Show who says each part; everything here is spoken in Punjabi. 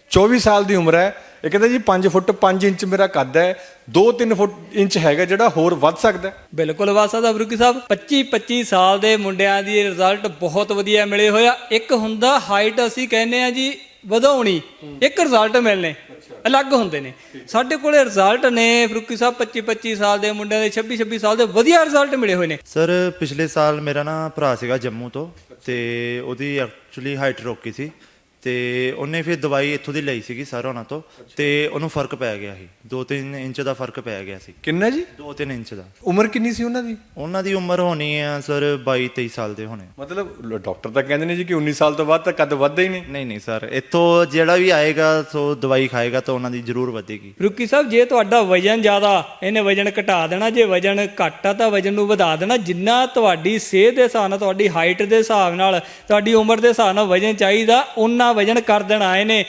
Speaker 1: 24 ਸਾਲ ਦੀ ਉਮਰ ਹੈ। ਇਹ ਕਹਿੰਦਾ ਜੀ 5 ਫੁੱਟ 5 ਇੰਚ ਮੇਰਾ ਕੱਦ ਹੈ, 2-3 ਫੁੱਟ ਇੰਚ ਹੈਗਾ ਜਿਹੜਾ ਹੋਰ ਵੱਧ ਸਕਦਾ।
Speaker 2: ਬਿਲਕੁਲ ਵੱਧ ਸਕਦਾ ਫਰੂਕੀ ਸਾਹਿਬ। 25 ਸਾਲ ਦੇ ਮੁੰਡਿਆਂ ਦੀ ਰਿਜ਼ਲਟ ਬਹੁਤ ਵਧੀਆ ਮਿਲੇ ਹੋਇਆ। ਇੱਕ ਹੁੰਦਾ ਹਾਈਟ, ਅਸੀਂ ਕਹਿੰਦੇ ਆ ਜੀ ਵਧਾਉਣੀ, ਇੱਕ ਰਿਜ਼ਲਟ ਮਿਲਣੇ ਅਲੱਗ ਹੁੰਦੇ ਨੇ। ਸਾਡੇ ਕੋਲੇ ਰਿਜ਼ਲਟ ਨੇ ਫਰੂਕੀ ਸਾਹਿਬ 25 ਸਾਲ ਦੇ ਮੁੰਡਿਆਂ ਦੇ 26 ਸਾਲ ਦੇ ਵਧੀਆ ਰਿਜ਼ਲਟ ਮਿਲੇ ਹੋਏ ਨੇ।
Speaker 3: ਸਰ ਪਿਛਲੇ ਸਾਲ ਮੇਰਾ ਨਾ ਭਰਾ ਸੀਗਾ ਜੰਮੂ ਤੋਂ, ਤੇ ਉਹਦੀ ਐਕਚੁਅਲੀ ਹਾਈਟ ਰੋਕੀ ਸੀ, ਤੇ ਉਹਨੇ ਫਿਰ ਦਵਾਈ ਇੱਥੋਂ ਦੀ ਲਈ ਸੀਗੀ ਸਰ ਉਹਨਾਂ ਤੋਂ, ਤੇ ਉਹਨੂੰ ਫਰਕ ਪੈ ਗਿਆ ਸੀ। 2-3 ਇੰਚ ਦਾ ਫਰਕ ਪੈ ਗਿਆ ਸੀ।
Speaker 1: ਕਿੰਨਾ ਜੀ?
Speaker 3: 2-3 ਇੰਚ ਦਾ।
Speaker 1: ਉਮਰ ਕਿੰਨੀ ਸੀ ਉਹਨਾਂ ਦੀ?
Speaker 3: ਉਹਨਾਂ ਦੀ ਉਮਰ ਹੋਣੀ ਆ ਸਰ 22-23 ਸਾਲ ਦੇ ਹੋਣੇ।
Speaker 1: ਮਤਲਬ ਡਾਕਟਰ ਤਾਂ ਕਹਿੰਦੇ ਨੇ ਜੀ ਕਿ 19 ਸਾਲ ਤੋਂ ਬਾਅਦ ਤਾਂ ਕੱਦ ਵੱਧਦਾ ਹੀ ਨਹੀਂ।
Speaker 3: ਨਹੀਂ ਸਰ, ਇੱਥੋਂ ਜਿਹੜਾ ਵੀ ਆਏਗਾ ਸੋ ਦਵਾਈ ਖਾਏਗਾ ਤਾਂ ਉਹਨਾਂ ਦੀ ਜ਼ਰੂਰ ਵਧੇਗੀ।
Speaker 2: ਫਰੂਕੀ ਸਾਹਿਬ ਜੇ ਤੁਹਾਡਾ ਵਜਨ ਜ਼ਿਆਦਾ, ਇਹਨੇ ਵਜਨ ਘਟਾ ਦੇਣਾ। ਜੇ ਵਜਨ ਘੱਟ ਆ ਤਾਂ ਵਜਨ ਨੂੰ ਵਧਾ ਦੇਣਾ। ਜਿੰਨਾ ਤੁਹਾਡੀ ਸਿਹਤ ਦੇ ਹਿਸਾਬ ਨਾਲ, ਤੁਹਾਡੀ ਹਾਈਟ ਦੇ ਹਿਸਾਬ ਨਾਲ, ਤੁਹਾਡੀ ਉਮਰ ਦੇ ਹਿਸਾਬ ਨਾਲ ਵਜਨ ਚਾਹੀਦਾ, ਉਨਾ ਵਜਨ ਕਰ ਦੇਣਾ ਇਹਨੇ।